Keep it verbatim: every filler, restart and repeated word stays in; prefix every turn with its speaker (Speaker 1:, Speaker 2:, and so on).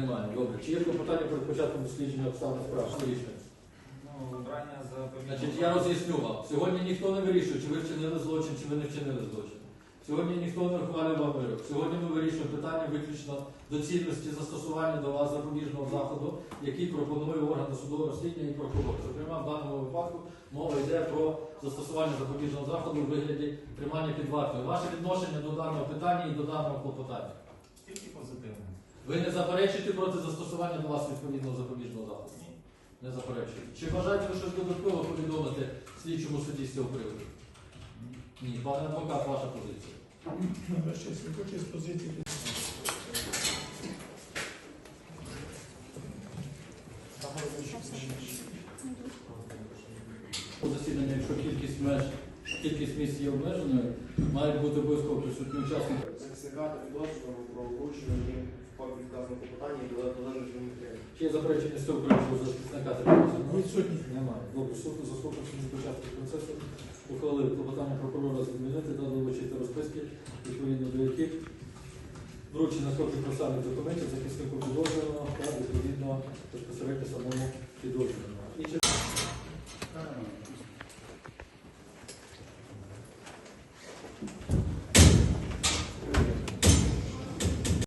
Speaker 1: Немає. Добре. Чи є клопотання перед початком дослідження обставин справи? Що рішення?
Speaker 2: Ну, обрання за
Speaker 1: Значить, я роз'ясню вам. Сьогодні ніхто не вирішує, чи ви вчинили злочин, чи ви не вчинили злочин. Сьогодні ніхто не ухвалює вам вирок. Сьогодні ми вирішуємо питання виключно доцільності застосування до вас запобіжного заходу, який пропонує орган досудового розслідування і прокурор. Зокрема, в даному випадку мова йде про застосування запобіжного заходу у вигляді тримання під вартою. Ваше відношення до даного питання і до даного клопотання.
Speaker 2: Тільки позитивно.
Speaker 1: Ви не заперечуєте проти застосування до вас відповідного запобіжного заходу?
Speaker 2: Ні.
Speaker 1: Не заперечуєте. Чи бажаєте ви щось додатково повідомити слідчому судді з цього приводу? Ні. Пане адвокат, ваша позиція.
Speaker 3: Ваше честь, хочу з позиції.
Speaker 1: Засідання, якщо кількість меж, кількість місць є обмеженою, мають бути обов'язково присутні учасники.
Speaker 4: Захисника та підозрюваного про вручення їм в папі вказаного клопотання і долежить матеріалів.
Speaker 1: Чи є заперечення з цього приводу захисника та підозрюваного?
Speaker 3: Відсутні.
Speaker 1: Немає. Добре, суд заслухавши на початку процесу, ухвалив клопотання прокурора задовольнити та долучити розписки, відповідно до яких вручено копії процесуальних документів захиснику підозрюваного